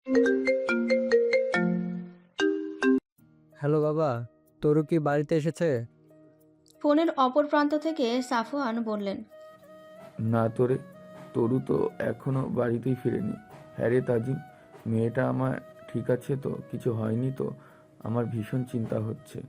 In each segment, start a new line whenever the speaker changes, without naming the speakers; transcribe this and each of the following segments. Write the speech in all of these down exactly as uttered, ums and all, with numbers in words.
Hello বাবা, তরু কি বাড়িতে এসেছে?
ফোনের অপর প্রান্ত থেকে সাফওয়ান বললেন।
না তোরে, তরু তো এখনো বাড়িতেই ফিরেনি। হ্যাঁ রে তাজিম, মেয়েটা আমার ঠিক আছে তো? কিছু হয়নি তো? আমার ভীষণ চিন্তা হচ্ছে।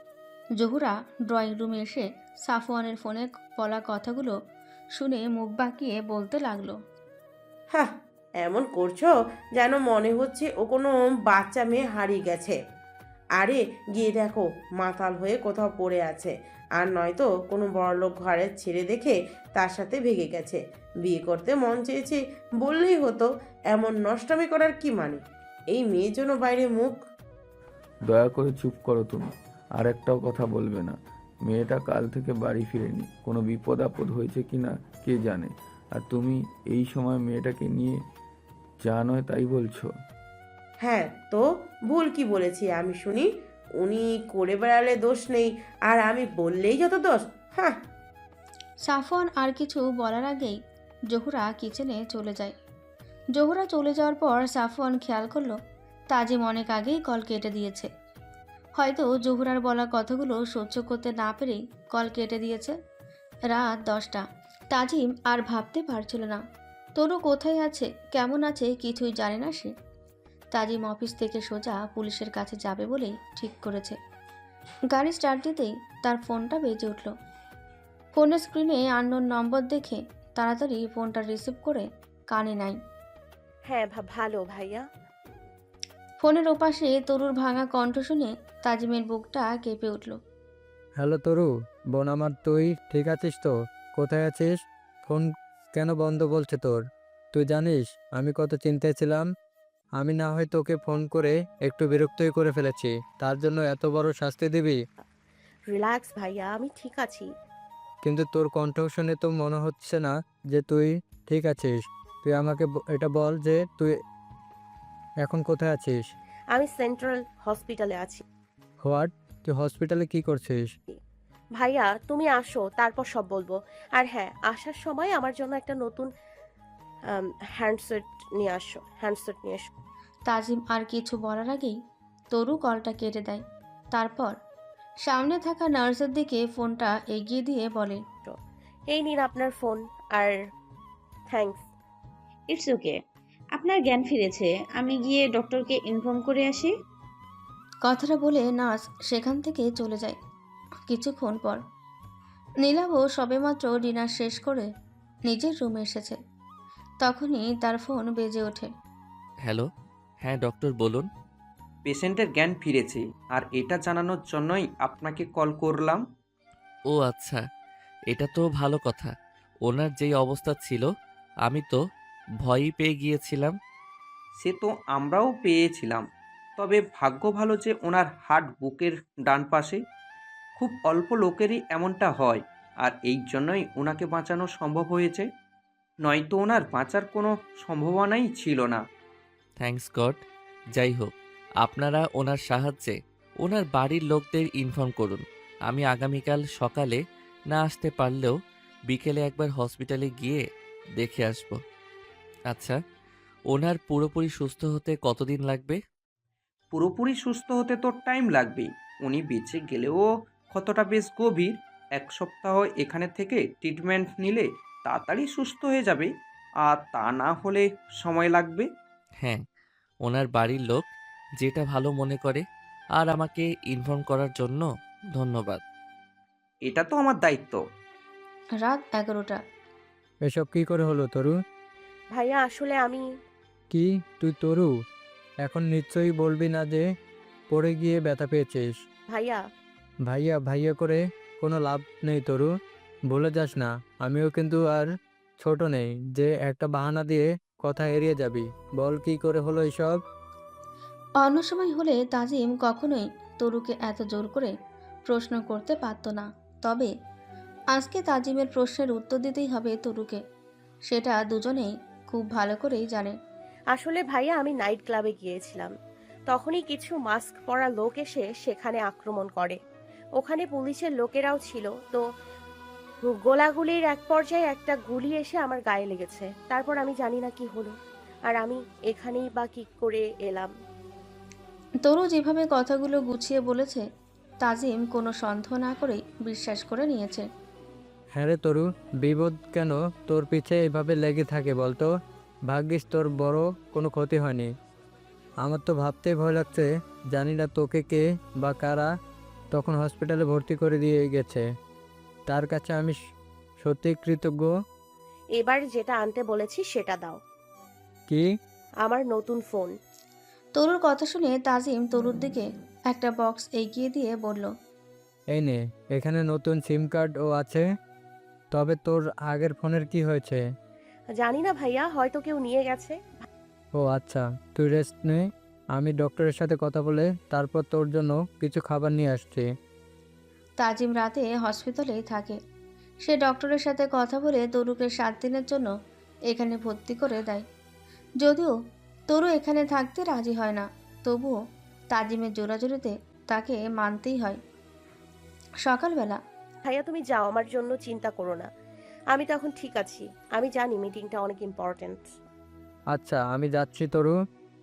জহুরা ড্রয়িং রুমে এসে সাফওয়ানের ফোনে বলা কথাগুলো শুনে মুখ বাঁকিয়ে বলতে লাগলো।
হ্যাঁ, এমন করছো যেন মনে হচ্ছে ও কোনো বাচ্চা মেয়ে হারিয়ে গেছে। আরে গিয়ে দেখো, মাতাল হয়ে কোথাও পড়ে আছে। আর নয়তো কোনো বড়লোক ঘরের ছেলে দেখে তার সাথে ভেগে গেছে। বিয়ে করতে মন চেয়েছে বললেই হতো। এমন নষ্টামি করার কি মানে? এই মেয়ের জন্য বাইরে মুখ।
দয়া করে চুপ করো তুমি, আর একটাও কথা বলবে না। মেয়েটা কাল থেকে বাড়ি ফিরেনি, কোনো বিপদ আপদ হয়েছে কি না কে জানে। আর তুমি এই সময় মেয়েটাকে নিয়ে যা নয় তাই বলছো।
হ্যাঁ তো, ভুল কি বলেছি আমি শুনি? উনি করে বেড়ালে দোষ নেই, আর আমি বললেই যত দোষ। হ্যাঁ।
সাফওয়ান আর কিছু বলার আগেই জহুরা কিচেনে চলে যায়। জহুরা চলে যাওয়ার পর সাফওয়ান খেয়াল করলো তাজিম অনেক আগেই কল কেটে দিয়েছে। হয়তো জহুরার বলা কথাগুলো সহ্য করতে না পেরেই কল কেটে দিয়েছে। রাত দশটা। তাজিম আর ভাবতে পারছিল না তনু কোথায় আছে, কেমন আছে কিছুই জানে না সে। তাজিম অফিস থেকে সোজা পুলিশের কাছে যাবে বলেই ঠিক করেছে। গাড়ি স্টার্ট দিতেই তার ফোনটা বেজে উঠল। ফোনের স্ক্রিনে আননোন নম্বর দেখে তাড়াতাড়ি ফোনটা রিসিভ করে কানে নাই।
হ্যাঁ ভা ভালো ভাইয়া।
ফোনের ওপাশে তরুর ভাঙা কণ্ঠ শুনে তাজিমের বুকটা কেঁপে উঠল।
হ্যালো তরু, বোন আমার, তুই ঠিক আছিস তো? কোথায় আছিস? ফোন কেন বন্ধ বলছে তোর? তুই জানিস আমি কত চিন্তায় ছিলাম। আমি না হয় তোকে ফোন করে একটু বিরক্তই করে ফেলেছি, তার জন্য এত বড় শাস্তি দিবি?
রিল্যাক্স ভাইয়া, আমি ঠিক আছি।
কিন্তু তোর কণ্ঠ শুনে তো মনে হচ্ছে না যে তুই ঠিক আছিস। তুই আমাকে ব- এটা বল যে তুই এখন কোথায় আছিস?
আমি সেন্ট্রাল হসপিটালে আছি।
হোয়াট? তুই হসপিটালে কি করছিস?
ভাইয়া তুমি আসো, তারপর সব বলবো। আর হ্যাঁ, আসার সময় আমার জন্য একটা নতুন হ্যান্ডসেট নিয়ে আসো হ্যান্ডসেট নিয়ে এসো।
তাজিম আর কিছু বলার আগেই তরু কলটা কেটে দেয়। তারপর সামনে থাকা নার্সের দিকে ফোনটা এগিয়ে দিয়ে বলে।
এই নিন আপনার ফোন। আর থ্যাঙ্কস।
It's okay. আপনার জ্ঞান ফিরেছে। আমি গিয়ে ডক্টরকে ইনফর্ম করে আসি।
কথাটা বলে নার্স সেখান থেকে চলে যায়। কিছুক্ষণ পর নীলাভও সবেমাত্র ডিনার শেষ করে নিজের রুমে এসেছে। তখনই তার ফোন বেজে ওঠে।
হ্যালো। হ্যাঁ ডক্টর বলুন।
পেশেন্টের জ্ঞান ফিরেছে, আর এটা জানানোর জন্যই আপনাকে কল করলাম।
ও আচ্ছা, এটা তো ভালো কথা। ওনার যেই অবস্থা ছিল আমি তো ভয়ই পেয়ে গিয়েছিলাম।
সে তো আমরাও পেয়েছিলাম, তবে ভাগ্য ভালো যে ওনার হার্ট বুকের ডান পাশে। খুব অল্প লোকেরই এমনটা হয়, আর এই জন্যই ওনাকে বাঁচানো সম্ভব হয়েছে। নয়তো ওনার বাঁচার কোনো সম্ভাবনাই ছিল না।
Thanks god. যাই হোক, আপনারা ওনার সাহায্যে ওনার বাড়ির লোকদের ইনফর্ম করুন। আমি আগামীকাল সকালে না আসতে পারলেও বিকেলে একবার হসপিটালে গিয়ে দেখে আসব। আচ্ছা, ওনার পুরোপুরি সুস্থ হতে কতদিন লাগবে?
পুরোপুরি সুস্থ হতে তো টাইম লাগবে। উনি বেঁচে গেলেও ক্ষতটা বেশ গভীর। এক সপ্তাহ এখানে থেকে ট্রিটমেন্ট নিলে তাড়াতাড়ি সুস্থ হয়ে যাবে, আর তা না হলে সময় লাগবে।
হ্যাঁ, ওনার বাড়ির লোক যেটা ভালো মনে করে। আর আমাকে ইনফর্ম করার জন্য ধন্যবাদ।
এটা তো আমার দায়িত্ব।
রাত এগারোটা।
এসব কি করে হলো তরু?
ভাইয়া আসলে আমি
কি, তুই তরু? এখন নিশ্চয়ই বলবি না যে পড়ে গিয়ে ব্যথা পেয়েছিস?
ভাইয়া
ভাইয়া ভাইয়া করে কোনো লাভ নেই তরু। ভুলে যাস না, আমিও কিন্তু আর ছোট নেই যে একটা বাহানা দিয়ে কথা এড়িয়ে যাবি। বল কি করে হলো এসব?
অন্য সময় হলে তাজিম কখনোই তরুকে এত জোর করে প্রশ্ন করতে পারত না। তবে আজকে তাজিমের প্রশ্নের উত্তর দিতেই হবে তরুকে। সেটা দুজনেই খুব ভালো করেই জানে।
আসলে ভাইয়া আমি নাইট ক্লাবে গিয়েছিলাম। তখনই কিছু মাস্ক পরা লোক এসে সেখানে আক্রমণ করে। ওখানে পুলিশের লোকেরাও ছিল তো। গোলাগুলির এক পর্যায়ে একটা গুলি এসে আমার গায়ে লেগেছে। তারপর আমি জানি না কি হলো। আর আমি এখানেই বা কী করে এলাম?
তরু যেভাবে কথাগুলো গুছিয়ে বলেছে তাজিম কোনো সন্দেহ না করেই বিশ্বাস করে নিয়েছে।
হ্যাঁ রে তরু, বিপদ কেন তোর পিছে এভাবে লেগে থাকে বলতো? ভাগ্যিস তোর বড় কোনো ক্ষতি হয়নি। আমার তো ভাবতেই ভয় লাগছে, জানি না তোকে কে বা কারা তখন হসপিটালে ভর্তি করে দিয়ে গেছে। তার কাছে আমি স- সত্যি কৃতজ্ঞ।
এবার যেটা আনতে বলেছি সেটা দাও।
কি?
আমার নতুন ফোন।
তরুর কথা শুনে তাজিম তরুর দিকে একটা বক্স এগিয়ে দিয়ে বলল,
এই নে, এখানে নতুন সিম কার্ডও আছে। তবে তোর আগের ফোনের কি হয়েছে?
জানি না ভাইয়া, হয়তো কেউ নিয়ে গেছে।
ও আচ্ছা, তুই রেস্ট নে। আমি ডক্টরের সাথে কথা বলে তারপর তোর জন্য কিছু খাবার নিয়ে আসছি।
তাজিম রাতে হসপিটালেই থাকে। সে ডক্টরের সাথে কথা বলে তরুকে সাত দিনের জন্য এখানে ভর্তি করে দেয়। যদিও তরু এখানে থাকতে রাজি হয় না, তবুও তাজিমের জোরাজুরিতে তাকে মানতেই হয়। সকালবেলা
ভাইয়া তুমি যাও, আমার জন্য চিন্তা করো না। আমি তো এখন ঠিক আছি। আমি জানি মিটিংটা অনেক ইম্পর্ট্যান্ট।
আচ্ছা, আমি যাচ্ছি তরু,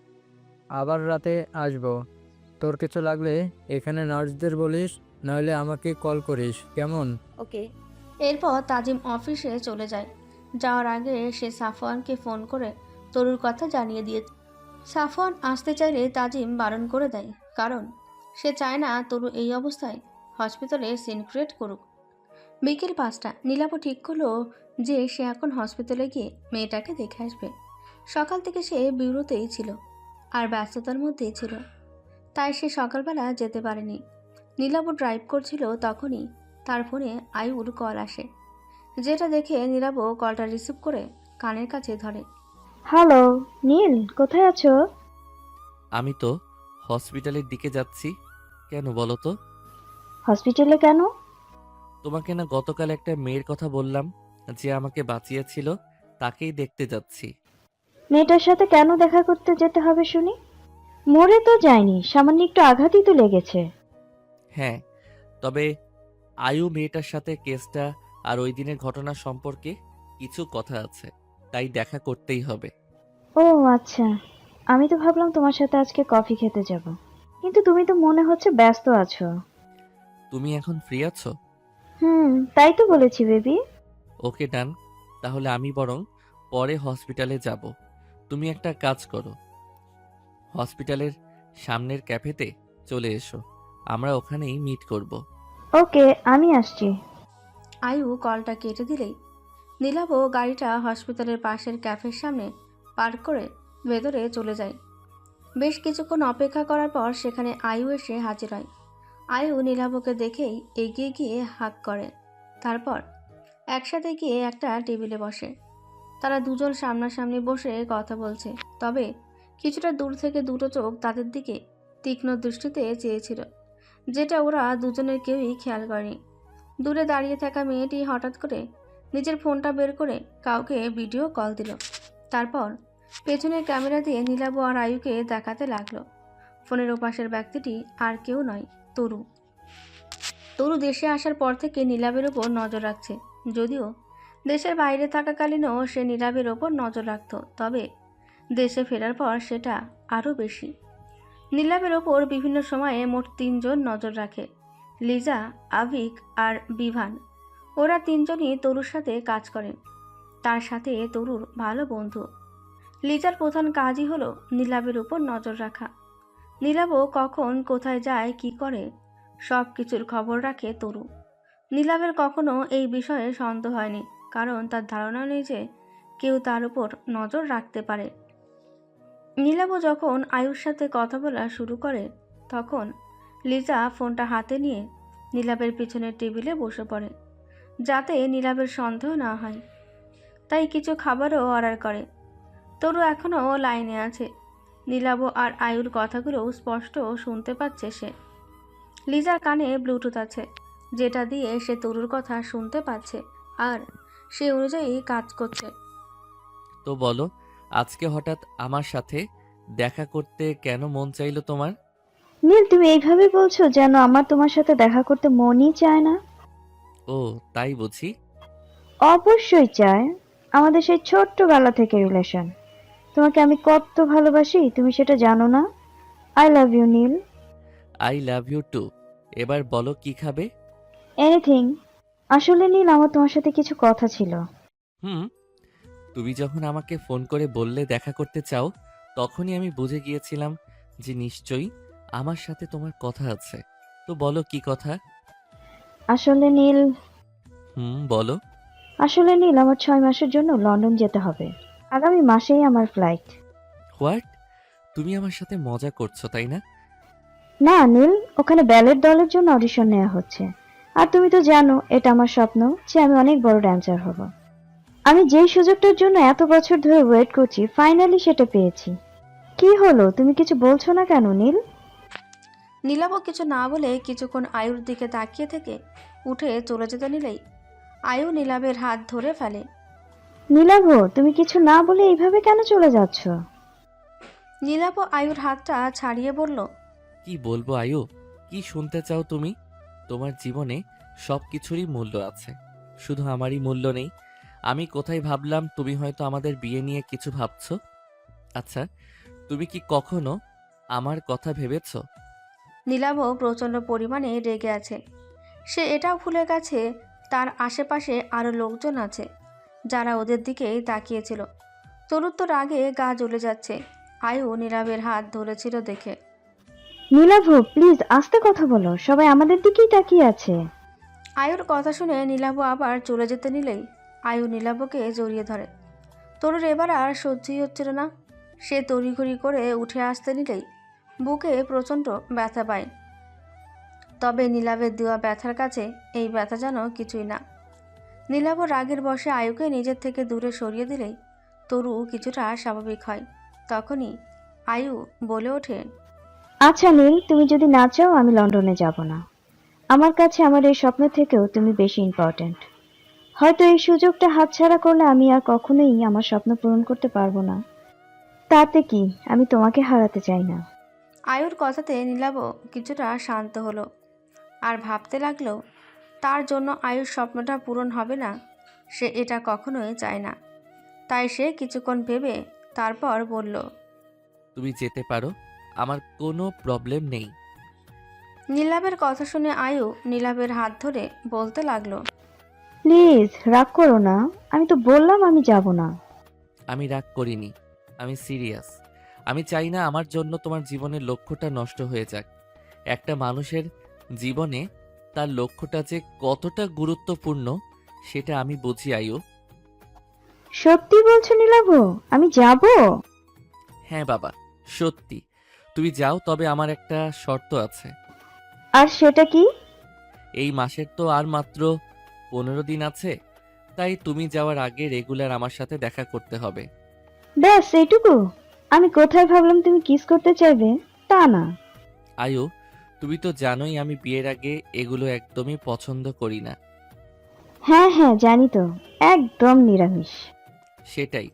আবার রাতে আসবো। তোর কিছু লাগলে এখানে নার্সদের বলিস, নইলে আমাকে কল করিস, কেমন?
ওকে।
এরপর তাজিম অফিসে চলে যায়। যাওয়ার আগে সে সাফওয়ানকে ফোন করে তরুর কথা জানিয়ে দিয়ে সাফওয়ান আসতে চাইলে তাজিম বারণ করে দেয়, কারণ সে চায় না তরু এই অবস্থায় হসপিটালে সিন ক্রিয়েট করুক। বিকেল পাঁচটা নীলাভ ঠিক করলো যে সে এখন হসপিটালে গিয়ে মেয়েটাকে দেখে আসবে। সকাল থেকে সে বিরতেই ছিল আর ব্যস্ততার মধ্যেই ছিল, তাই সে সকালবেলা যেতে পারেনি। নীলাভ ড্রাইভ করছিল, তখনই তার ফোনে আয়ুর কল আসে, যেটা দেখে নীলাভ কলটা রিসিভ করে কানের কাছে ধরে।
হ্যালো নীল, কোথায় আছো?
আমি তো হসপিটালের দিকে যাচ্ছি। কেন বলো তো?
হসপিটালে কেন?
তোমাকে না গতকাল একটা মেয়ের কথা বললাম যে আমাকে বাঁচিয়েছিল, তাকেই দেখতে যাচ্ছি।
মেয়েটার সাথে কেন দেখা করতে যেতে হবে শুনি? মরে তো যায়নি, সামান্য একটু আঘাতই তো লেগেছে।
হ্যাঁ, তবে আয়ু মেয়েটার সাথে কেসটা আর ওই দিনের ঘটনা সম্পর্কে কিছু কথা আছে, তাই দেখা করতেই হবে।
ও আচ্ছা, আমি তো ভাবলাম তোমার সাথে আজকে কফি খেতে যাব, কিন্তু তুমি তো মনে হচ্ছে ব্যস্ত আছো।
তুমি এখন ফ্রি আছো?
হুম, তাই তো বলেছি বেবি।
ওকে ডান, তাহলে আমি বরং পরে হসপিটালে যাব। তুমি একটা কাজ করো, হসপিটালের সামনের ক্যাফেতে চলে এসো, আমরা ওখানেই মিট করব।
ওকে, আমি আসছি।
আয়ু কলটা কেটে দিলেই নীলাভ গাড়িটা হসপিটালের পাশের ক্যাফের সামনে পার্ক করে ভেতরে চলে যায়। বেশ কিছুক্ষণ অপেক্ষা করার পর সেখানে আয়ু এসে হাজির হয়। আয়ু নীলাভকে দেখেই এগিয়ে গিয়ে হাক করে, তারপর একসাথে গিয়ে একটা টেবিলে বসে। তারা দুজন সামনাসামনি বসে কথা বলছে, তবে কিছুটা দূর থেকে দুটো চোখ তাদের দিকে তীক্ষ্ণ দৃষ্টিতে চেয়েছিল, যেটা ওরা দুজনের কেউই খেয়াল করেনি। দূরে দাঁড়িয়ে থাকা মেয়েটি হঠাৎ করে নিজের ফোনটা বের করে কাউকে ভিডিও কল দিল, তারপর পেছনের ক্যামেরা দিয়ে নীলাভ আর আয়ুকে দেখাতে লাগলো। ফোনের ওপাশের ব্যক্তিটি আর কেউ নয়, তরু। তরু দেশে আসার পর থেকে নীলাভের ওপর নজর রাখছে, যদিও দেশের বাইরে থাকাকালীনও সে নীলাভের ওপর নজর রাখত, তবে দেশে ফেরার পর সেটা আরও বেশি। নীলাভের ওপর বিভিন্ন সময়ে মোট তিনজন নজর রাখে, লিজা, আভিক আর বিভান। ওরা তিনজনই তরুর সাথে কাজ করে, তার সাথে তরুর ভালো বন্ধু। লিজার প্রধান কাজই হলো নীলাভের উপর নজর রাখা। নীলাভও কখন কোথায় যায় কি করে সব কিছুর খবর রাখে তরু। নীলাভের কখনো এই বিষয়ে সন্দেহ হয়নি, কারণ তার ধারণা নেই যে কেউ তার উপর নজর রাখতে পারে। নীলাভ যখন আয়ুর সাথে কথা বলা শুরু করে, তখন লিজা ফোনটা হাতে নিয়ে নীলাভের পিছনের টেবিলে বসে পড়ে, যাতে নীলাভের সন্দেহ না হয়। তাই কিছু খাবারও অর্ডার করে। তরু এখনও লাইনে আছে। নীলাভ আর আয়ুর কথাগুলো স্পষ্ট শুনতে পাচ্ছে সে। লিজার কানে ব্লুটুথ আছে, যেটা দিয়ে সে তরুর কথা শুনতে পাচ্ছে আর সে অনুযায়ী কাজ করছে।
তো বলো, আজকে হঠাৎ আমার সাথে দেখা করতে কেন মন চাইলো তোমার?
নীল, তুমি এইভাবে বলছো যেন আমার তোমার সাথে দেখা করতে মনই চায় না।
ও তাই বুঝি।
অবশ্যই চায়, আমাদের সেই ছোট্টবেলা থেকে রিলেশন। তোমাকে আমি কত ভালোবাসি তুমি সেটা জানো না। I love you Neel.
I love you too. এবার বলো কি খাবে?
এনিথিং। আসলে নীল, আমার তোমার সাথে কিছু কথা ছিল।
হুম, তুমি যখন আমাকে ফোন করে বললে দেখা করতে চাও, তখনই আমি বুঝে গিয়েছিলাম যে নিশ্চয়ই আমার সাথে তোমার কথা আছে। তো বলো কি কথা?
আসলে নীল
হুম, বলো।
আসলে নীল আমার ছয় মাসের জন্য লন্ডন যেতে হবে। আগামী মাসেই আমার ফ্লাইট।
হোয়াট? তুমি আমার সাথে মজা করছো তাই না?
না নীল, ওখানে ব্যালেট দলের জন্য অডিশন নেওয়া হচ্ছে। আর তুমি তো জানো এটা আমার স্বপ্ন যে আমি অনেক বড় ড্যান্সার হব। আমি যেই সুযোগটার জন্য এত বছর ধরে ওয়েট করছি, ফাইনালি সেটা পেয়েছি। কি হলো, তুমি কিছু বলছো না কেন নীল?
নীলাবও কিছু না বলে কিছুক্ষণ আয়ুর দিকে তাকিয়ে থেকে উঠে চলে যেতে নিলেই আয়ু নীলাবের হাত ধরে ফেলে।
নীলাভ, তুমি কিছু না বলে এইভাবে কেন চলে যাচ্ছ?
নীলাব আয়ুর হাতটা ছাড়িয়ে বলল,
কি বলবো আয়ু? কি শুনতে চাও তুমি? তোমার জীবনে সব কিছুরই মূল্য আছে, শুধু আমারই মূল্য নেই। আমি কোথায় ভাবলাম তুমি হয়তো আমাদের বিয়ে নিয়ে কিছু ভাবছো। আচ্ছা, তুমি কি কখনো আমার কথা ভেবেছো?
নীলাবও প্রচণ্ড পরিমাণে রেগে আছে। সে এটাও ভুলে গেছে তার আশেপাশে আরও লোকজন আছে যারা ওদের দিকেই তাকিয়েছিল। তরুর তো রাগে গা জ্বলে যাচ্ছে আয়ু নীলাবের হাত ধরেছিল দেখে।
নীলাভ, প্লিজ আস্তে কথা বলো, সবাই আমাদের দিকেই তাকিয়ে আছে।
আয়ুর কথা শুনে নীলাভ আবার চলে যেতে নিলেই আয়ু নীলাভকে জড়িয়ে ধরে। তরুর এবার আর সহ্যই হচ্ছিল না। সে তড়িঘড়ি করে উঠে আসতে নিলেই বুকে প্রচণ্ড ব্যথা পায়। তবে নীলাভের দেওয়া ব্যথার কাছে এই ব্যথা যেন কিছুই না। নীলাভ রাগের বশে আয়ুকে নিজের থেকে দূরে সরিয়ে দিলেই তরু কিছুটা স্বাভাবিক হয়। তখনই আয়ু বলে ওঠে,
আচ্ছা নীল, তুমি যদি না চাও আমি লন্ডনে যাব না। আমার কাছে আমার এই স্বপ্ন থেকেও তুমি বেশি ইম্পর্ট্যান্ট। হয়তো এই সুযোগটা হাতছাড়া করলে আমি আর কখনোই আমার স্বপ্ন পূরণ করতে পারবো না। তাতে কি, আমি তোমাকে হারাতে চাই না।
আয়ুর কথাতে নীলাভ কিছুটা শান্ত হলো আর ভাবতে লাগলো তার জন্য আয়ুর স্বপ্নটা পূরণ হবে না, সে এটা কখনোই চায় না। তাই সে কিছুক্ষণ ভেবে তারপর বলল,
তুমি যেতে পারো, আমার কোনো প্রবলেম নেই।
নীলাভের কথা শুনে আয়ু নীলাভের হাত ধরে বলতে লাগলো,
প্লিজ রাগ করো না, আমি তো বললাম আমি যাব না।
আমি রাগ করিনি, আমি সিরিয়াস। আমি চাই না আমার জন্য তোমার জীবনের লক্ষ্যটা নষ্ট হয়ে যাক। একটা মানুষের জীবনে তার লক্ষ্যটা যে কতটা গুরুত্বপূর্ণ সেটা আমি বুঝি আয়ু।
সত্যি বলছো নীলাভ? আমি যাব।
হ্যাঁ বাবা, সত্যি। তুমি যাও, তবে আমার একটা শর্ত আছে।
আর সেটা কি?
এই মাসের তো আর মাত্র পনেরো দিন আছে, তাই তুমি যাওয়ার আগে রেগুলার আমার সাথে দেখা করতে হবে।
ব্যাস এইটুকু? আমি কোথায় ভাবলাম তুমি কিস করতে চাইবে, তা না।
আয়ু, তুমি তো জানোই আমি বিয়ের আগে এগুলো একদমই পছন্দ করি না।
হ্যাঁ হ্যাঁ জানি তো, একদম নিরামিষ।
সেটাই।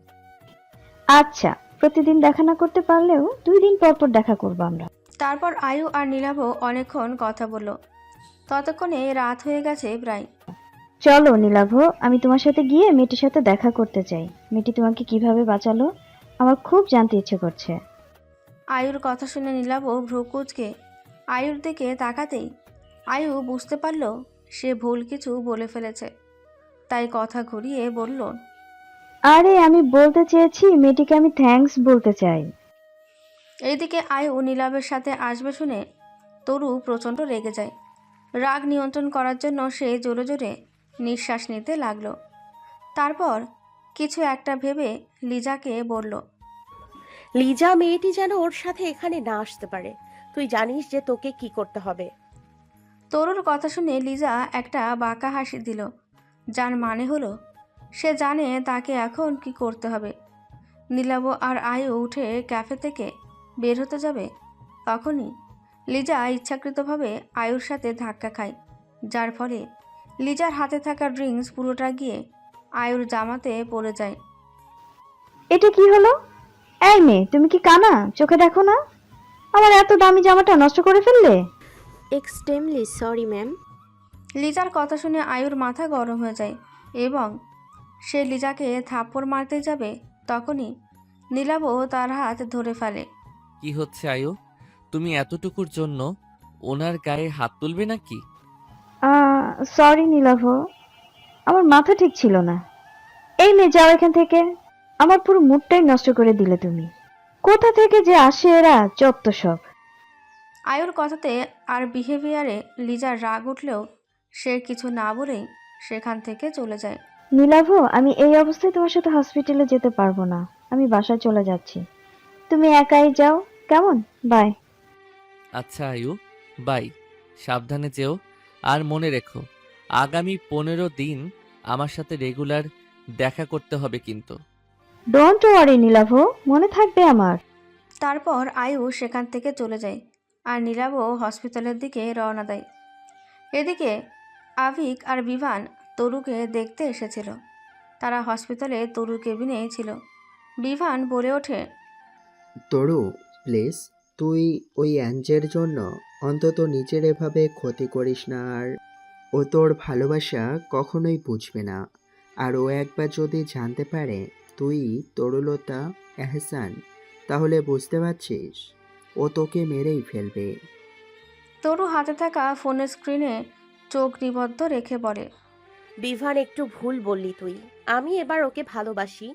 আচ্ছা, প্রতিদিন দেখা না করতে পারলেও দুই দিন পর পর দেখা করবো আমরা।
তারপর আয়ু আর নীলাভ অনেকক্ষণ কথা বলল। ততক্ষণে রাত হয়ে গেছে প্রায়।
চলো নীলাভ, আমি তোমার সাথে গিয়ে মেয়েটির সাথে দেখা করতে চাই। মেয়েটি তোমাকে কিভাবে বাঁচালো আমার খুব জানতে ইচ্ছে করছে।
আয়ুর কথা শুনে নীলাভ ভ্রু কুঁচকে আয়ুর দিকে তাকাতেই আয়ু বুঝতে পারল সে ভুল কিছু বলে ফেলেছে। তাই কথা ঘুরিয়ে বলল,
আরে আমি বলতে চেয়েছি মেয়েটিকে আমি থ্যাঙ্কস বলতে চাই।
এইদিকে আয়ু নীলাভের সাথে আসবে শুনে তরু প্রচণ্ড রেগে যায়। রাগ নিয়ন্ত্রণ করার জন্য সে জোরে জোরে নিঃশ্বাস নিতে লাগলো। তারপর কিছু একটা ভেবে লিজাকে বলল,
লিজা মেয়েটি যেন ওর সাথে এখানে না আসতে পারে। তুই জানিস যে তোকে কি করতে হবে।
তরুর কথা শুনে লিজা একটা বাঁকা হাসি দিল, যার মানে হলো সে জানে তাকে এখন কি করতে হবে। নীলাভ আর আয়ু উঠে ক্যাফে থেকে বের হতে যাবে, তখনই লিজা ইচ্ছাকৃতভাবে আয়ুর সাথে ধাক্কা খায়, যার ফলে লিজার হাতে থাকা ড্রিঙ্কস পুরোটা গিয়ে আয়ুর জামাতে পড়ে যায়।
এটা কি হলো? এই মেয়ে, তুমি কি কানা? চোখে দেখো না আমার এত দামি জামাটা নষ্ট করে ফেললে?
Extremely sorry ma'am.
লিজার কথা শুনে আয়ুর মাথা গরম হয়ে যায় এবং সে লিজাকে থাপ্পড় মারতে যাবে, তখনই নীলাবও তার হাত ধরে ফেলে।
কি হচ্ছে আয়ু? তুমি এতটুকুর জন্য ওনার গায়ে হাত তুলবে নাকি?
সরি নীলাভ, আমার মাথা ঠিক ছিল না। এই মেয়ে, যাও এখান থেকে। আমার পুরো মুডটাই নষ্ট করে দিলে তুমি। কোথা থেকে যে আসে এরা, যত সব।
আয়ুর কথাতে আর বিহেভিয়ারে লিজার রাগ উঠলেও সে কিছু না বলেই সেখান থেকে চলে যায়।
নীলাভ, আমি এই অবস্থায় তোমার সাথে হসপিটালে যেতে পারবো না। আমি বাসায় চলে যাচ্ছি, তুমি একাই যাও, কেমন? বাই।
আচ্ছা আয়ু, বাই। সাবধানে যেও। আর মনে রেখো, আগামী পনেরো দিন আমার সাথে রেগুলার দেখা করতে হবে কিন্তু।
ডোন্ট ওয়ারি নীলাভ, মনে থাকবে আমার।
তারপর আয়ু সেখান থেকে চলে যায় আর নীলাবও হসপিটালের দিকে রওনা দেয়। এদিকে আভিক আর বিভান তরুকে দেখতে এসেছিল। তারা হসপিটালে তরুর কেবিনে ছিল। বিভান বলে ওঠে,
তরু, প্লিজ তুই ওই অ্যাঞ্জের জন্য অন্তত নিজের এভাবে ক্ষতি করিস না। আর ও তোর ভালোবাসা কখনোই বুঝবে না। আর ও একবার যদি জানতে পারে তুই তরুলতা এহসান, তাহলে বুঝতে পারছিস ও তোকে মেরেই ফেলবে।
তরু হাতে থাকা ফোনের স্ক্রিনে চোখ নিবদ্ধ রেখে বলে,
বিভান, একটু ভুল বললি তুই। আমি এবার ওকে ভালোবাসি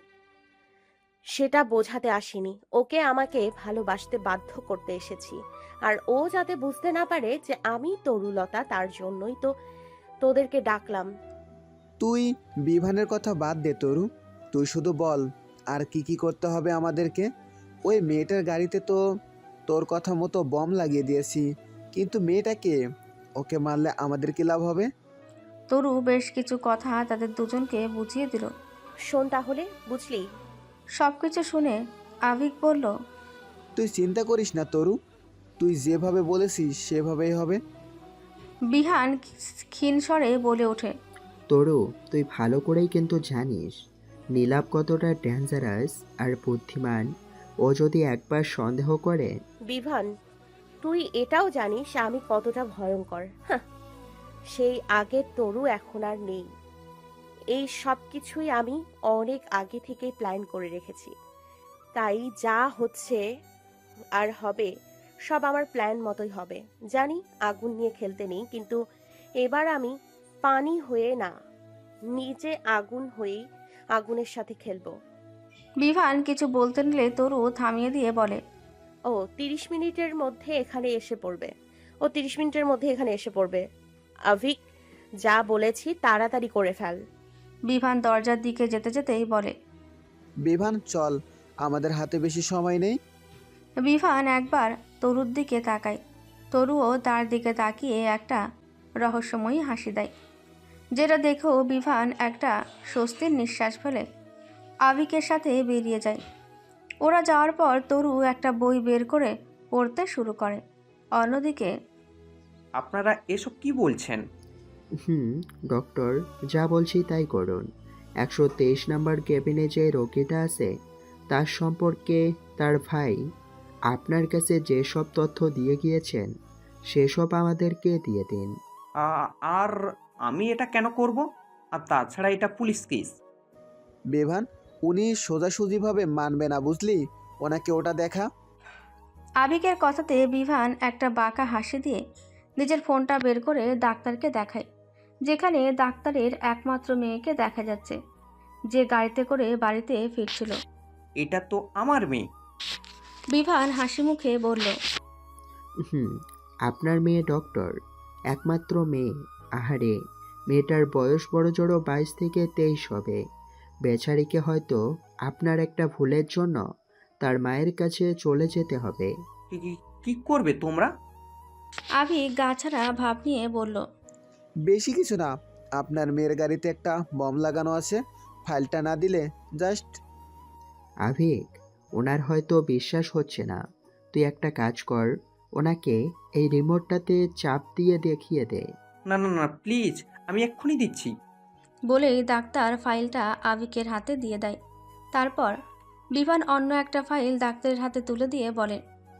সেটা বোঝাতে আসিনি, ওকে আমাকে ভালোবাসতে বাধ্য করতে এসেছি। আর ও যাতে বুঝতে না পারে যে আমি তরুলতা, তার জন্যই তো তোদেরকে ডাকলাম।
তুই বিভানের কথা বাদ দে তরু, তুই শুধু বল আর কি কি করতে হবে আমাদেরকে। ওই মেয়েটার গাড়িতে তো তোর কথা মতো বম লাগিয়ে দিয়েছি, কিন্তু মেয়েটাকে, ওকে মারলে আমাদের কি লাভ হবে?
তরু বেশ কিছু কথা তাদের দুজনকে বুঝিয়ে দিল।
শোন তাহলে, বুঝলি?
সব কিছু শুনে আভিক বলল,
তুই চিন্তা করিস না তরু, তুই যেভাবে বলেছিস সেভাবেই হবে।
বিহান ক্ষীণ স্বরে বলে ওঠে,
তরু, তুই ভালো করেই কিন্তু জানিস নীলাভ কতটা ডেঞ্জারাস আর বুদ্ধিমান। ও যদি একবার সন্দেহ করে।
বিভান, তুই এটাও জানিস আমি কতটা ভয়ঙ্কর। হাহ, সেই আগের তরু এখন আর নেই। এই সব কিছুই আমি অনেক আগে থেকেই প্ল্যান করে রেখেছি। তাই যা হচ্ছে আর হবে সব আমার প্ল্যান মতোই হবে। জানি আগুন নিয়ে খেলতে নেই, কিন্তু এবার আমি পানি হয়ে না, নিজে আগুন হয়েই আগুনের সাথে খেলবো।
বিভান কিছু বলতে নিলে তরু থামিয়ে দিয়ে বলে,
ও তিরিশ মিনিটের মধ্যে এখানে এসে পড়বে ও তিরিশ মিনিটের মধ্যে এখানে এসে পড়বে। আভিক, যা বলেছি তাড়াতাড়ি করে ফেল।
বিভান দরজার দিকে যেতে যেতেই বলে,
বিভান চল, আমাদের হাতে বেশি সময় নেই।
বিভান একবার তরুর দিকে তাকায়। তরুও তার দিকে তাকিয়ে একটা রহস্যময়ী হাসি দেয়, যেটা দেখেও বিভান একটা স্বস্তির নিঃশ্বাস ফেলে আভিকের সাথে বেরিয়ে যায়। ওরা যাওয়ার পর তরু একটা বই বের করে পড়তে শুরু করে। অন্যদিকে,
আপনারা এসব কি বলছেন?
হুম ডক্টর, যা বলছি তাই করুন। একশো তেইশ নাম্বার কেবিনে যে রোগীটা আছে তার সম্পর্কে তার ভাই আপনার কাছে যেসব তথ্য দিয়ে গিয়েছেন সেসব আমাদেরকে দিয়ে দিন।
আ- আর আমি এটা কেন করব? আর তাছাড়া এটা পুলিশ কেস।
বিভান, উনি সোজাসুজিভাবে মানবে না, বুঝলি? ওনাকে ওটা দেখা।
আভিকের কথাতে বিভান একটা বাঁকা হাসি দিয়ে নিজের ফোনটা বের করে ডাক্তারকে দেখায়, যেখানে ডাক্তারের একমাত্র মেয়েকে দেখা যাচ্ছে, যে গাড়িতে করে বাড়িতে ফিরছিল।
এটা তো আমার মেয়ে।
বিভান হাসি মুখে বলল,
হুম আপনার মেয়ে ডক্টর, একমাত্র মেয়ে। আহারে, মেয়েটার বয়স বড় জোড়ো বাইশ থেকে তেইশ হবে। বেচারিকে হয়তো আপনার একটা ভুলের জন্য তার মায়ের কাছে চলে যেতে হবে।
কি- কি- কি করবে তোমরা?
আভি গাছাড়া ভাব নিয়ে বলল,
বেশি কিছু না, আপনার মেয়ের গাড়িতে একটা বম লাগানো আছে, ফাইলটা না দিলে জাস্ট।
আভিক, ওনার হয়তো বিশ্বাস হচ্ছে না। তুই একটা কাজ কর, ওনাকে এই রিমোটটাতে চাপ দিয়ে দেখিয়ে দে।
না না না প্লিজ, আমি এক্ষুনি দিচ্ছি।
বলেই ডাক্তার ফাইলটা আভিকের হাতে দিয়ে দেয়। তারপর বিভান অন্য একটা ফাইল ডাক্তারের হাতে তুলে দিয়ে বলে,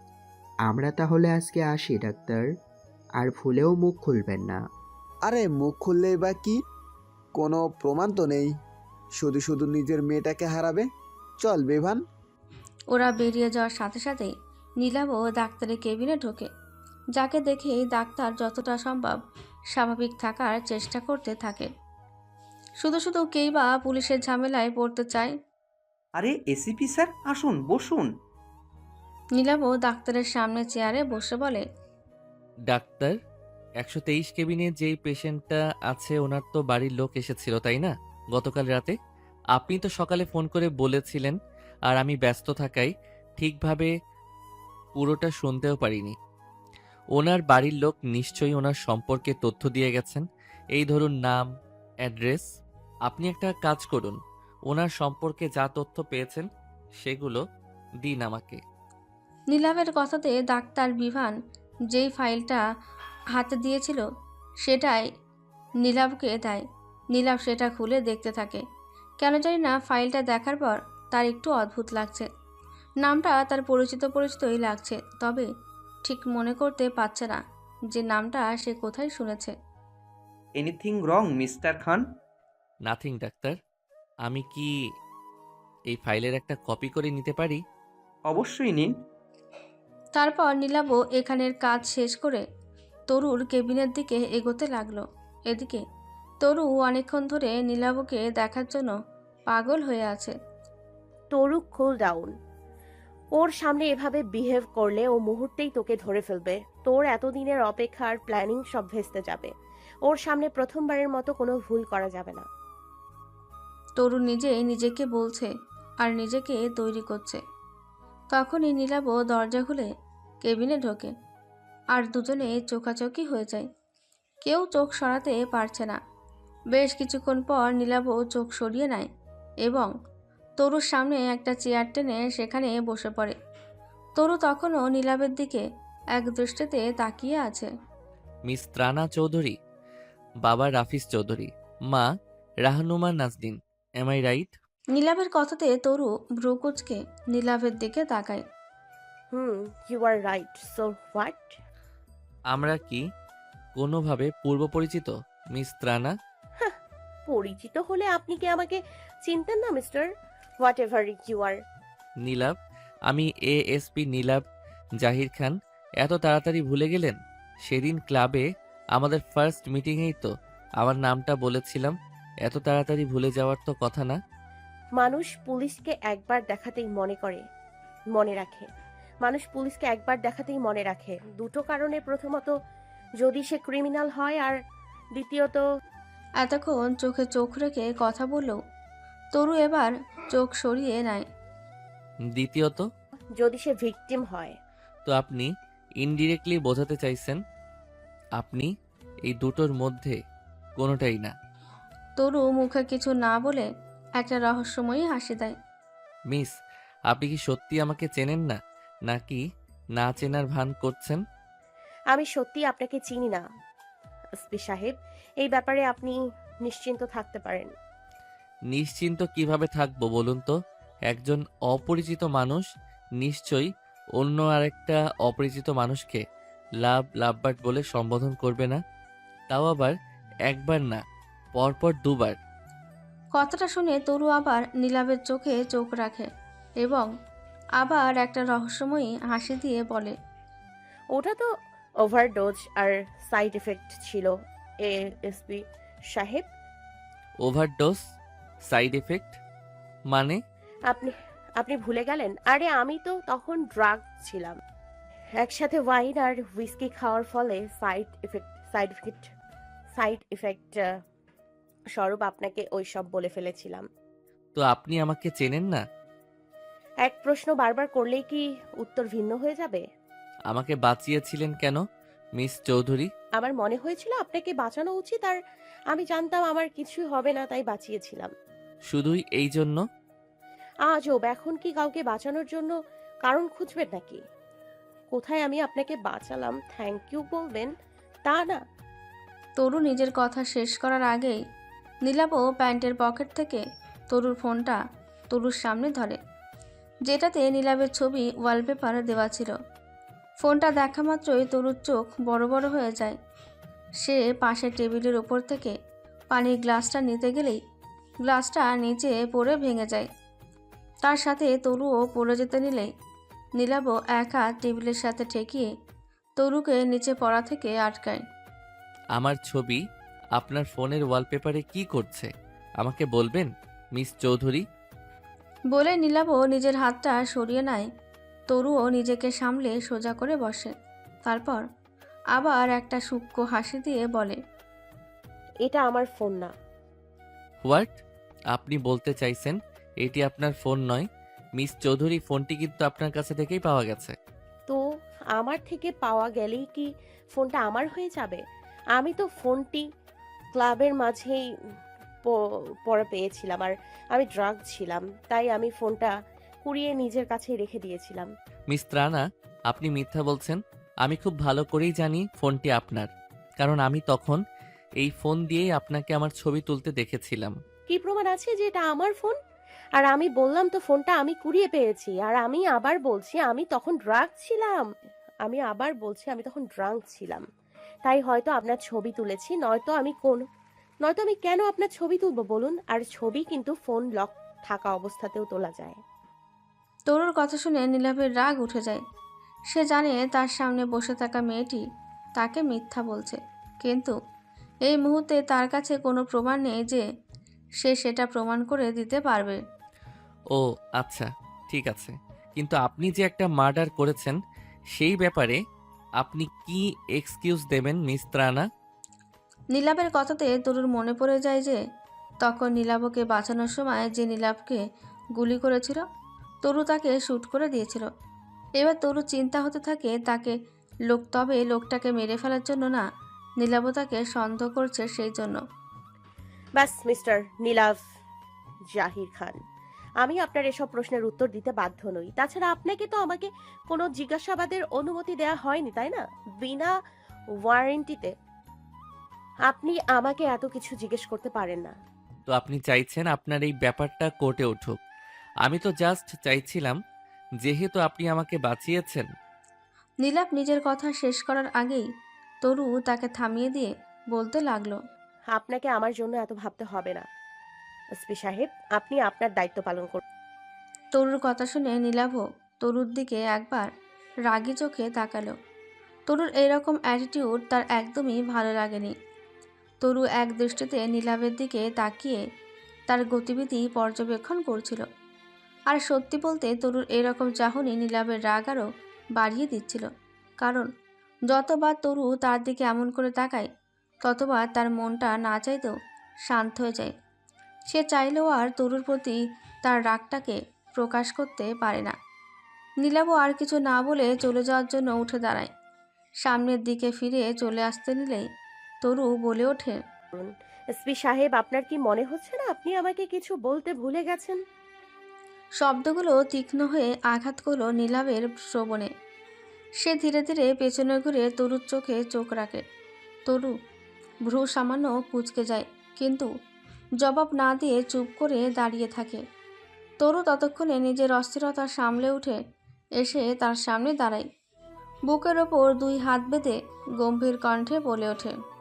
আমরা তাহলে আজকে আসি ডাক্তার, আর ভুলেও মুখ খুলবেন না।
আরে মুখ খুললেই বা কি, কোনো প্রমাণ তো নেই, শুধু শুধু নিজের মেয়েটাকে হারাবে। চল বিভান।
ওরা বেরিয়ে যাওয়ার সাথে সাথেই নীলাবও ডাক্তারের কেবিনে ঢোকে, যাকে দেখেই ডাক্তার যতটা সম্ভব স্বাভাবিক থাকার চেষ্টা করতে থাকে। শুধু শুধু কেই বা পুলিশের ঝামেলায় পড়তে চায়।
আরে এসিপি স্যার, আসুন বসুন।
নীলাবও ডাক্তারের সামনে চেয়ারে বসে বলে,
ডাক্তার, একশো তেইশ কেবিনে যেই পেশেন্টটা আছে ওনার তো বাড়ির লোক এসেছিল তাই না গতকাল রাতে? আপনি তো সকালে ফোন করে বলেছিলেন, আর আমি ব্যস্ত থাকায় ঠিকভাবে পুরোটা শুনতেও পারিনি। ওনার বাড়ির লোক নিশ্চয়ই ওনার সম্পর্কে তথ্য দিয়ে গেছেন, এই ধরুন নাম, অ্যাড্রেস। আপনি একটা কাজ করুন, ওনার সম্পর্কে যা তথ্য পেয়েছেন সেগুলো দিন আমাকে।
নীলাবের কথাতে ডাক্তার বিভান যেই ফাইলটা হাতে দিয়েছিল সেটাই নীলাবকে দেয়। নীলাব সেটা খুলে দেখতে থাকে। কেন জানি না ফাইলটা দেখার পর তার একটু অদ্ভুত লাগছে। নামটা তার পরিচিত পরিচিতই লাগছে, তবে ঠিক মনে করতে পারছে না যে নামটা সে কোথায় শুনেছে।
Anything wrong mister Khan?
Nothing doctor, আমি কি এই ফাইলের একটা কপি করে নিতে পারি?
অবশ্যই নিন।
তারপর নীলাবও এখানের কাজ শেষ করে তরুর কেবিনের দিকে এগোতে লাগলো। এদিকে তরু অনেকক্ষণ ধরে নীলাবকে দেখার জন্য পাগল হয়ে আছে।
তরু, কুল ডাউন। ওর সামনে এভাবে বিহেভ করলে ও মুহূর্তেই তোকে ধরে ফেলবে। তোর এতদিনের অপেক্ষার প্ল্যানিং সব ভেস্তে যাবে। ওর সামনে প্রথমবারের মতো কোনো ভুল করা যাবে না।
তরু নিজে নিজেকে বলছে আর নিজেকে তৈরি করছে। তখনই নীলাবও দরজা খুলে কেবিনে ঢোকে, আর দুজনে চোখাচোখি হয়ে যায়। কেউ চোখ সরাতে পারছে না। বেশ কিছুক্ষণ পর নীলাবও চোখ সরিয়ে নেয় এবং তরুর সামনে একটা চেয়ার টেনে সেখানে বসে পড়ে। তরু তখনও নীলাবের দিকে এক দৃষ্টিতে তাকিয়ে আছে।
মিস ত্রানা চৌধুরী, বাবা রাফিজ চৌধুরী, মা Rahnuma Nazdin, am I right?
নীলাবের কথাতে তরু ভ্রু কুঁচকে নীলাবের দিকে তাকায়।
Hmm, you are right. So what?
আমরা কি কোনোভাবে পূর্ব পরিচিত মিস ত্রানা?
পরিচিত হলে আপনি কি আমাকে চিনতেন না mister whatever you are?
Nilabh, আমি এএসপি নীলাভ জাহির খান। এত তাড়াতাড়ি ভুলে গেলেন? সেদিন ক্লাবে আমাদের ফার্স্ট মিটিংয়েই তো আমার নামটা বলেছিলাম। এত তাড়াতাড়ি ভুলে যাওয়ার তো কথা না।
মানুষ পুলিশকে একবার দেখাতেই মনে করে মনে রাখে মানুষ পুলিশকে একবার দেখাতেই মনে রাখে দুটো কারণে। প্রথমত, যদি সে ক্রিমিনাল হয়, আর দ্বিতীয়ত,
এতক্ষণ চোখে চোখ রেখে কথা বললেও তরু এবার চোখ সরিয়ে নেয়।
দ্বিতীয়ত,
যদি সে ভিকটিম হয়।
তো আপনি ইনডিরেক্টলি বোঝাতে চাইছেন আপনি এই দুটোর মধ্যে কোনোটাই না।
তরু মুখে কিছু না বলে একটা রহস্যময়ী হাসি দেয়।
মিস, আপনি কি সত্যি আমাকে চেনেন না, নাকি না চেনার ভান করছেন?
আমি সত্যি আপনাকে চিনি না এসপি সাহেব। এই ব্যাপারে আপনি নিশ্চিন্ত থাকতে পারেন।
নিশ্চিন্ত কিভাবে থাকবো বলুন তো? একজন অপরিচিত মানুষ নিশ্চয়ই অন্য আরেকটা অপরিচিত মানুষকে লাভ লাভবার্ড বলে সম্বোধন করবে না, তাও আবার একবার না, পরপর দুবার।
কথাটা শুনে তরু আবার নীলাবের চোখে চোখ রাখে এবং আবার একটা রহস্যময়ী হাসি দিয়ে বলে,
ওটা তো ওভারডোজ আর সাইড এফেক্ট ছিল এসপি সাহেব।
ওভারডোজ সাইড এফেক্ট মানে?
আপনি আপনি ভুলে গেলেন? আরে আমি তো তখন ড্রাগ ছিলাম। একসাথে ওয়াইন আর হুইস্কি খাওয়ার ফলে side effect side effect side effect স্বরূপ আপনাকে ওই সব বলে ফেলেছিলাম।
তো আপনি আমাকে চেনেন না?
এক প্রশ্ন বারবার করলেই কি উত্তর ভিন্ন হয়ে যাবে?
আমাকে বাঁচিয়েছিলেন কেন মিস চৌধুরী?
আমার মনে হয়েছিল আপনাকে বাঁচানো উচিত, আর আমি জানতাম আমার কিছুই হবে না, তাই বাঁচিয়েছিলাম।
শুধুই এই জন্য?
আজব, এখন কি কাউকে বাঁচানোর জন্য কারণ খুঁজবেন নাকি? কোথায় আমি আপনাকে বাঁচালাম থ্যাংক ইউ বলবেন তা না।
তরু নিজের কথা শেষ করার আগেই নীলাবও প্যান্টের পকেট থেকে তরুর ফোনটা তরুর সামনে ধরে, যেটাতে নীলাবের ছবি ওয়ালপেপার দেওয়া ছিল। ফোনটা দেখা মাত্রই তরুর চোখ বড় বড় হয়ে যায়। সে পাশের টেবিলের ওপর থেকে পানির গ্লাসটা নিতে গেলেই গ্লাসটা নিচে পড়ে ভেঙে যায়। তার সাথে তরুও পড়ে যেতে নিলেই নীলাবও এক হাত টেবিলের সাথে ঠেকিয়ে তরুকে নিচে পড়া থেকে আটকায়।
আমার ছবি আপনার ফোনের ওয়ালপেপারে কি করছে আমাকে বলবেন মিস চৌধুরী?
বলে নীলাবও নিজের হাতটা সরিয়ে নেয়। তরুও নিজেকে সামলে সোজা করে বসে। তারপর আবার একটা সূক্ষ্ম হাসি দিয়ে বলে,
এটা আমার ফোন না।
হোয়াট? আপনি বলতে চাইছেন এটি আপনার ফোন নয়? মিস চৌধুরী, ফোনটি কিন্তু আপনার কাছে থেকেই পাওয়া গেছে।
তো আমার থেকে পাওয়া গেলেই কি ফোনটা আমার হয়ে যাবে? আমি তো ফোনটি ক্লাবের মাঝেই প- পড়ে পেয়েছিলাম, আর আমি ড্রাগ ছিলাম, তাই আমি ফোনটা কুড়িয়ে নিজের কাছেই রেখে দিয়েছিলাম।
মিস ত্রানা, আপনি মিথ্যা বলছেন। আমি খুব ভালো করেই জানি ফোনটি আপনার, কারণ আমি তখন এই ফোন দিয়েই আপনাকে আমার ছবি তুলতে দেখেছিলাম।
কি প্রমাণ আছে যে এটা আমার ফোন? আর আমি বললাম তো ফোনটা আমি কুড়িয়ে পেয়েছি, আর আমি আবার বলছি আমি তখন ড্রাগ ছিলাম। আমি আবার বলছি আমি তখন ড্রাঙ্ক ছিলাম, তাই হয়তো আপনার ছবি তুলেছি, নয়তো আমি কোন নয়তো আমি কেন আপনার ছবি তুলবো বলুন? আর ছবি কিন্তু ফোন লক থাকা অবস্থাতেও তোলা যায়।
তরুর কথা শুনে নীলাভের রাগ উঠে যায়। সে জানে তার সামনে বসে থাকা মেয়েটি তাকে মিথ্যা বলছে, কিন্তু এই মুহূর্তে তার কাছে কোনো প্রমাণ নেই যে সে সেটা প্রমাণ করে দিতে পারবে।
ও আচ্ছা, ঠিক আছে, কিন্তু আপনি যে একটা মার্ডার করেছেন সেই ব্যাপারে আপনি কি এক্সকিউজ দেবেন মিস ত্রানা?
নীলাভের কথাতে তরুর মনে পড়ে যায় যে তখন নীলাভকে বাঁচানোর সময় যে নীলাভকে গুলি করেছিল তরু তাকে শ্যুট করে দিয়েছিল। এবার তরু চিন্তা হতে থাকে তাকে লোক তবে লোকটাকে মেরে ফেলার জন্য না, নীলাভ তাকে সন্দেহ করছে সেই জন্য।
ব্যাস মিস্টার নীলাভ জাহির খান, আমি আপনার এসব প্রশ্নের উত্তর দিতে বাধ্য নই। তাছাড়া আপনাকে তো আমাকে কোনো জিজ্ঞাসাবাদের অনুমতি দেওয়া হয়নি, তাই না? বিনা ওয়ারেন্টিতে আপনি আমাকে এত কিছু জিজ্ঞেস করতে পারেন না।
তো আপনি চাইছেন আপনার এই ব্যাপারটা কোর্টে উঠুক? আমি তো জাস্ট চাইছিলাম, যেহেতু আপনি আমাকে বাঁচিয়েছেন।
নীলাভ নিজের কথা শেষ করার আগেই তরু তাকে থামিয়ে দিয়ে বলতে লাগলো,
আপনাকে আমার জন্য এত ভাবতে হবে না এসপি সাহেব, আপনি আপনার দায়িত্ব পালন করুন।
তরুর কথা শুনে নীলাভও তরুর দিকে একবার রাগী চোখে তাকালো। তরুর এরকম অ্যাটিটিউড তার একদমই ভালো লাগেনি। তরু এক দৃষ্টিতে নীলাভের দিকে তাকিয়ে তার গতিবিধি পর্যবেক্ষণ করছিল। আর সত্যি বলতে তরুর এরকম চাহনি নীলাভের রাগ আরও বাড়িয়ে দিচ্ছিল, কারণ যতবার তরু তার দিকে এমন করে তাকায় ততবার তার মনটা না চাইতেও শান্ত হয়ে যায়। সে চাইলেও আর তরুর প্রতি তার রাগটাকে প্রকাশ করতে পারে না। নীলাভও আর কিছু না বলে চলে যাওয়ার জন্য উঠে দাঁড়ায়। সামনের দিকে ফিরে চলে আসতে নিলেই তরু বলে ওঠে,
এসপি সাহেব, আপনার কি মনে হচ্ছে না আপনি আমাকে কিছু বলতে ভুলে গেছেন?
শব্দগুলো তীক্ষ্ণ হয়ে আঘাত করল নীলাভের শ্রবণে। সে ধীরে ধীরে পেছনে ঘুরে তরুর চোখে চোখ রাখে। তরু ভ্রু সামান্য কুঁচকে যায়, কিন্তু জবাব না দিয়ে চুপ করে দাঁড়িয়ে থাকে। তরু ততক্ষণে নিজের অস্থিরতা সামলে উঠে এসে তার সামনে দাঁড়ায়। বুকের ওপর দুই হাত বেঁধে গম্ভীর কণ্ঠে বলে ওঠে,